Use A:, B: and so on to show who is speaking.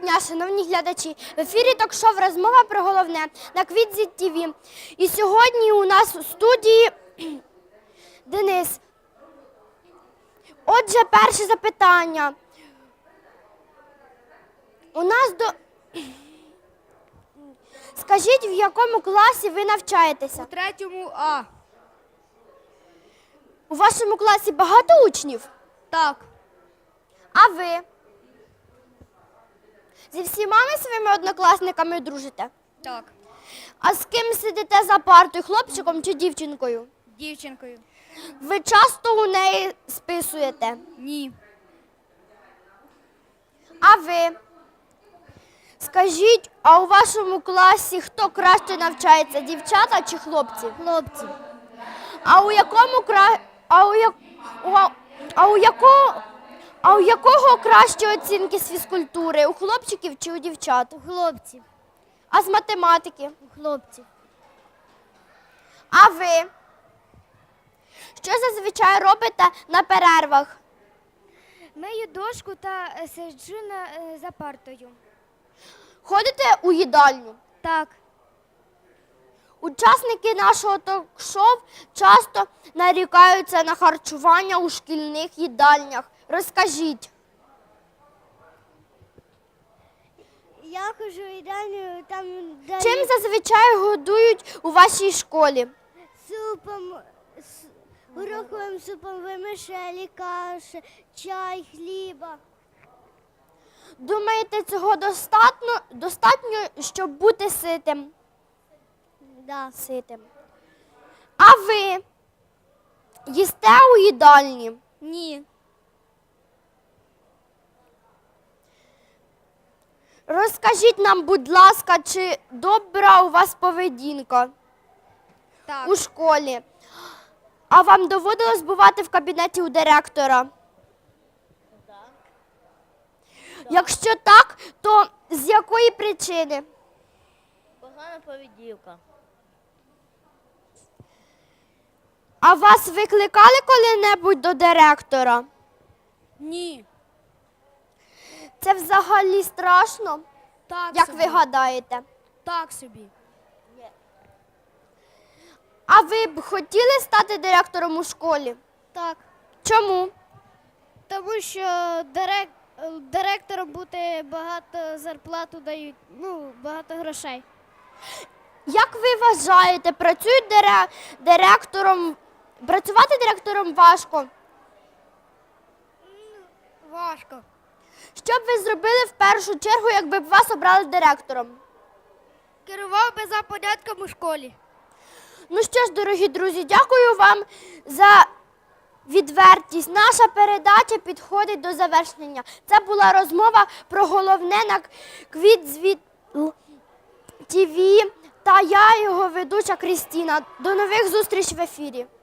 A: дня, шановні глядачі! В ефірі ток-шоу «Розмова про головне» на Квітзі ТВ. І сьогодні у нас у студії Денис. Отже, перше запитання. Скажіть, в якому класі ви навчаєтеся?
B: У 3 А.
A: У вашому класі багато учнів?
B: Так.
A: А ви? Зі всіма ви своїми однокласниками дружите?
B: Так.
A: А з ким сидите за партою, хлопчиком чи дівчинкою?
B: Дівчинкою.
A: Ви часто у неї списуєте?
B: Ні.
A: А ви? Скажіть, а у вашому класі хто краще навчається, дівчата чи хлопці?
B: Хлопці.
A: А у якого кращі оцінки з фізкультури? У хлопчиків чи у дівчат?
B: У хлопців.
A: А з математики?
B: У хлопців.
A: А ви? Що зазвичай робите на перервах?
B: Мию дошку та сиджу за партою.
A: Ходите у їдальню?
B: Так.
A: Учасники нашого ток-шоу часто нарікаються на харчування у шкільних їдальнях. Розкажіть.
B: Я ходжу в їдальню, там дають
A: Чим зазвичай годують у вашій школі?
B: супом, гороховим супом, вермишелі, каші, чай, хліба.
A: Думаєте, цього достатньо, щоб бути ситим?
B: Да.
A: Ситим. А ви їсте у їдальні?
B: Ні.
A: Розкажіть нам, будь ласка, чи добра у вас поведінка
B: Так.
A: у школі? А вам доводилось бувати в кабінеті у директора?
B: Так.
A: Якщо так, то з якої причини?
B: Погана поведінка.
A: А вас викликали коли-небудь до директора?
B: Ні.
A: Це взагалі страшно,
B: Так
A: як
B: собі.
A: ви гадаєте?
B: Так собі.
A: А ви б хотіли стати директором у школі?
B: Так.
A: Чому?
B: Тому що директором бути багато зарплату дають, багато грошей.
A: Як ви вважаєте, працювати директором важко?
B: Важко.
A: Що б ви зробили в першу чергу, якби б вас обрали директором?
B: Керував би за порядком у школі.
A: Ну що ж, дорогі друзі, дякую вам за відвертість. Наша передача підходить до завершення. Це була розмова про головне на Квітзі ТВ та я, його ведуча Крістіна. До нових зустрічей в ефірі.